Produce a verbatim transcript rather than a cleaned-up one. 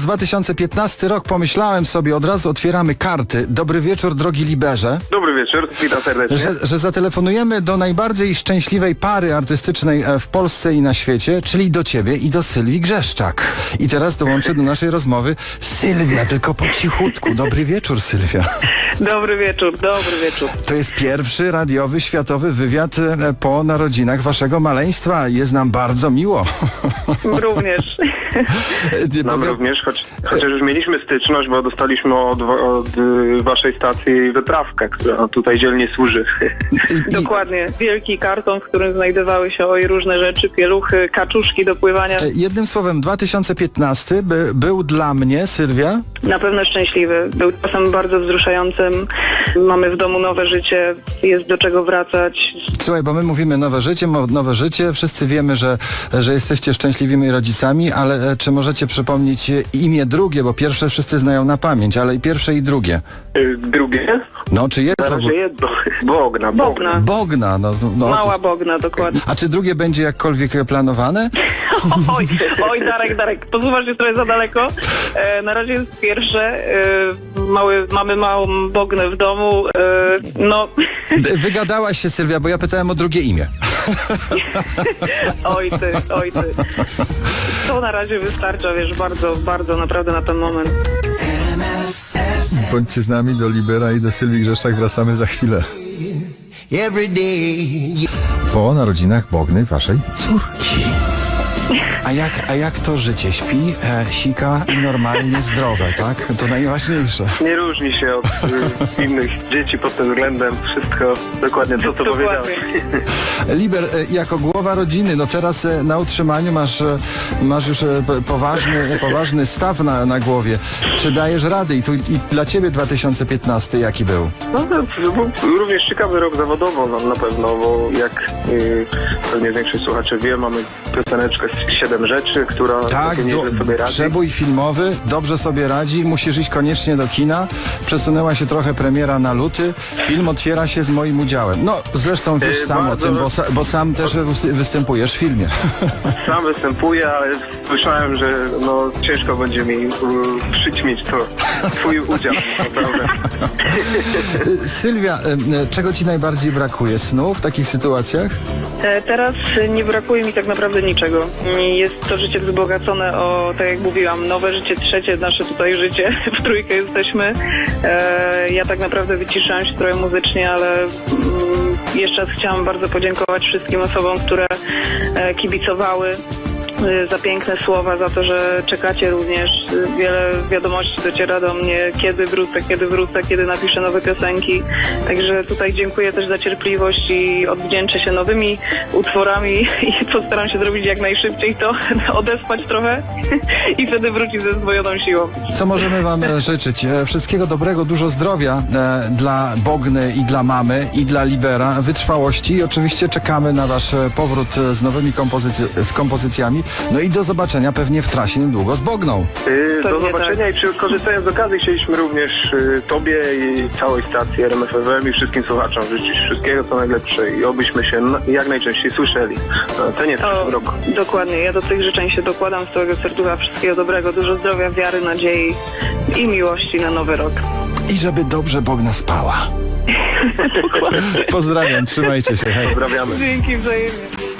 patrząc dwa tysiące piętnasty rok, pomyślałem sobie, od razu otwieramy karty. Dobry wieczór, drogi Liberze. Dobry wieczór, witam serdecznie. Że, że zatelefonujemy do najbardziej szczęśliwej pary artystycznej w Polsce i na świecie, czyli do ciebie i do Sylwii Grzeszczak. I teraz dołączy do naszej rozmowy Sylwia, tylko po cichutku. Dobry wieczór, Sylwia. Dobry wieczór, dobry wieczór. To jest pierwszy radiowy, światowy wywiad po narodzinach waszego maleństwa. Jest nam bardzo miło. Również. Nam również, choć, chociaż już mieliśmy styczność, bo dostaliśmy od, od y, waszej stacji wyprawkę, która tutaj dzielnie służy. Dokładnie. Wielki karton, w którym znajdowały się oj różne rzeczy, pieluchy, kaczuszki do pływania. Jednym słowem, dwa tysiące piętnasty by, był dla mnie, Sylwia... Na pewno szczęśliwy. Był czasem bardzo wzruszającym. Mamy w domu nowe życie, jest do czego wracać. Słuchaj, bo my mówimy nowe życie, mo- nowe życie. Wszyscy wiemy, że, że jesteście szczęśliwymi rodzicami, ale e, czy możecie przypomnieć e, imię drugie, bo pierwsze wszyscy znają na pamięć, ale i pierwsze i drugie. Y, drugie? No, czy jest... Na w razie ogóle- jedno. Bogna, Bogna. Bogna, no, no. Mała Bogna, dokładnie. A czy drugie będzie jakkolwiek planowane? Oj, oj, Darek, Darek, posuwasz się trochę za daleko. E, na razie jest pierwsze. E, mały, mamy małą Bognę w domu. E, no... D- Wygadałaś się, Sylwia, bo ja pytałem o drugie imię. Oj ty, oj ty. To na razie wystarcza, wiesz, bardzo, bardzo naprawdę na ten moment. Bądźcie z nami, do Libera i do Sylwii Grzeszczak wracamy za chwilę. Po narodzinach Bogny, waszej córki. A jak, a jak to życie? Śpi, e, sika i normalnie zdrowe, tak? To najważniejsze. Nie różni się od y, innych dzieci pod tym względem. Wszystko dokładnie to, co Dokładnie. powiedziałeś. Liber, e, jako głowa rodziny, no teraz e, na utrzymaniu masz, e, masz już e, p- poważny, poważny staw na, na głowie. Czy dajesz rady? I, tu, I dla ciebie dwa tysiące piętnasty jaki był? No to był również ciekawy rok zawodowo no, na pewno, bo jak y, pewnie większość słuchaczy wie, mamy pioseneczkę z siedem rzeczy, która Tak, całkiem do, nieźle sobie radzi. przebój filmowy, dobrze sobie radzi, musisz iść koniecznie do kina. Przesunęła się trochę premiera na luty. Film otwiera się z moim udziałem. No, zresztą wiesz Yy, sam bardzo- o tym, bo, sa, bo sam też wys- występujesz w filmie. Sam występuję, ale słyszałem, że no ciężko będzie mi y, przyćmić to twój udział, naprawdę. Y, Sylwia, y, y, czego ci najbardziej brakuje? Snu w takich sytuacjach? E, Teraz nie brakuje mi tak naprawdę niczego. Jest to życie wzbogacone o, tak jak mówiłam, nowe życie, trzecie nasze tutaj życie. W trójkę jesteśmy. E, Ja tak naprawdę wyciszałam się trochę muzycznie, ale mm, jeszcze raz chciałam bardzo podziękować wszystkim osobom, które e, kibicowały e, za piękne słowa, za to, że czekacie również. Wiele wiadomości dociera do mnie, kiedy wrócę, kiedy wrócę, kiedy napiszę nowe piosenki. Także tutaj dziękuję też za cierpliwość i odwdzięczę się nowymi utworami i postaram się zrobić jak najszybciej to, odespać trochę i wtedy wrócić ze zdwojoną siłą. Co możemy wam e, życzyć? E, Wszystkiego dobrego, dużo zdrowia e, dla Bogny i dla mamy i dla Libera, wytrwałości i oczywiście czekamy na wasz e, powrót e, z nowymi kompozycy- z kompozycjami. No i do zobaczenia pewnie w trasie niedługo z Bogną. Y, Do Pewnie zobaczenia i przy, korzystając z okazji chcieliśmy również y, tobie i całej stacji R M F F M i wszystkim słuchaczom życzyć wszystkiego co najlepsze i obyśmy się na- jak najczęściej słyszeli. No, to nie w O, przyszłym roku. dokładnie, ja do tych życzeń się dokładam z całego serducha. Wszystkiego dobrego, dużo zdrowia, wiary, nadziei i miłości na nowy rok. I żeby dobrze Bogna spała. Pozdrawiam, trzymajcie się. Hej. Pozdrawiamy. Dzięki wzajemnie.